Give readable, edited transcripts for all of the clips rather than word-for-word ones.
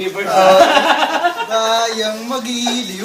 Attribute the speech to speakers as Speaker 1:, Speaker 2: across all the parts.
Speaker 1: Kayang magiliw.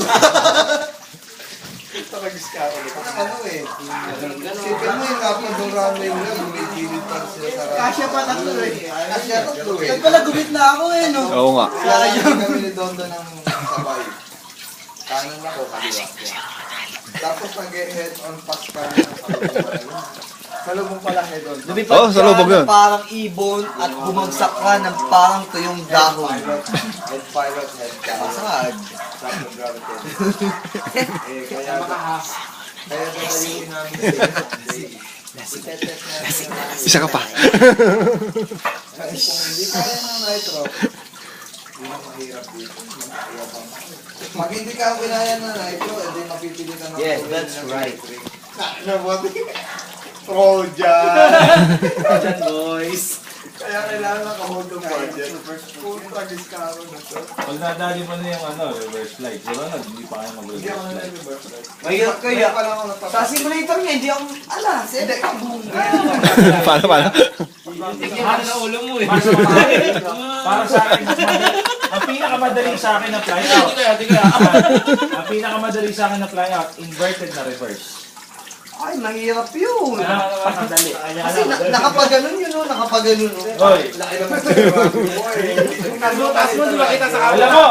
Speaker 2: Talagiskaro nito.
Speaker 1: Ano eh. Sipin mo yung kapag ng runway mo lang, gumigilid pa sila sa runway.
Speaker 3: Kasya pa tatlo eh.
Speaker 1: Kasya tatlo eh.
Speaker 3: Nagpala gumit na ako eh, no?
Speaker 4: Oo nga.
Speaker 1: Sayang kami ni Dondo ng sabay. Kanan ako, kaliwa. Tapos nag-head on pass kami ng salubong. Salubong pala head on.
Speaker 3: Lumipad
Speaker 4: Oh, sa lubog
Speaker 3: ka
Speaker 4: yun.
Speaker 3: ng parang ibon at bumagsak ka ng parang tuyong dahon.
Speaker 1: Head pilot, head captain.
Speaker 3: Masag.
Speaker 1: Sakto gravity. Kaya dadalhin namin sila.
Speaker 4: Isa ka pa.
Speaker 1: Kasi kung hindi kaya ng nitro, hindi na mahirap dito. Pag hindi ka kinaya ng nitro, edi mapipili ka ng
Speaker 3: Yes,
Speaker 1: tuloy
Speaker 3: that's
Speaker 1: ng
Speaker 3: right.
Speaker 1: electric. Nabuti. Trojan!
Speaker 3: Diyan, boys.
Speaker 1: Kaya kailangan naka-hold ng budget. Puta, giskaro na to.
Speaker 5: Pag nadali mo na yung reverse flight, di ba? Hindi pa kayo
Speaker 1: Hindi ako
Speaker 5: mag-reverse flight.
Speaker 1: nag-reverse flight.
Speaker 3: Mahirap kaya.
Speaker 1: Kaya pala ako napapasok.
Speaker 3: Sa simulator niya, hindi ako, sebe ka buong
Speaker 4: Paano?
Speaker 5: Para sa ulo mo eh. Para sa akin, ang pinakamadaling sa akin na fly out. Ang pinakamadaling sa akin na fly out, inverted na reverse.
Speaker 3: Ay, mahirap yun.
Speaker 5: Pakadali.
Speaker 3: Kasi nakapaganon yun, no? Nakapaganon, no?
Speaker 5: Hoy,
Speaker 1: Laki naman sa grabe mo eh.
Speaker 2: Taas mo, di ba kita sa
Speaker 5: alam mo,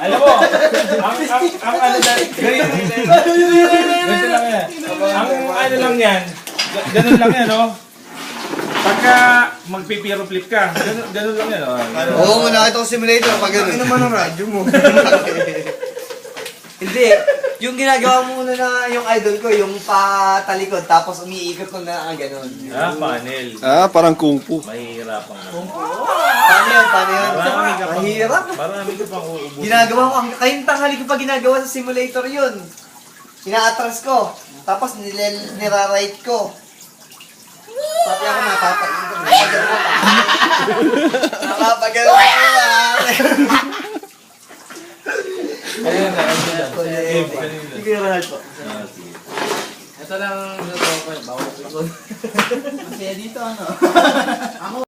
Speaker 5: ang ano lang, ganito lang yan. Ang ano lang yan, ganun lang yan, no? Pagka magpipiro flip ka, ganun lang yan, no?
Speaker 3: Oo, nakita ko simulator, pag
Speaker 1: Ano
Speaker 3: ganun.
Speaker 1: naman ang radyo mo?
Speaker 3: Hindi. Yung ginagawa mo muna na yung idol ko, yung patalikod, tapos umiikot ko na gano'n.
Speaker 5: Panel.
Speaker 4: Parang kung fu.
Speaker 5: Mahihirapan ka.
Speaker 3: Paano yun? Paano yun?
Speaker 5: Marami ka pang,
Speaker 3: Mahirap.
Speaker 5: marami ka pang uubusin.
Speaker 3: Ginagawa ko, kayong tanghali ko pa ginagawa sa simulator yun. Ina-atras ko, tapos nira-right ko. Pati ako napapagano. Napapagano ako.
Speaker 5: Ayun na, ayun na. Gabe, kanina.
Speaker 3: Sige, Ronald po.
Speaker 5: Sige.
Speaker 2: Ito lang, bawal ko.
Speaker 3: Masaya dito, ano?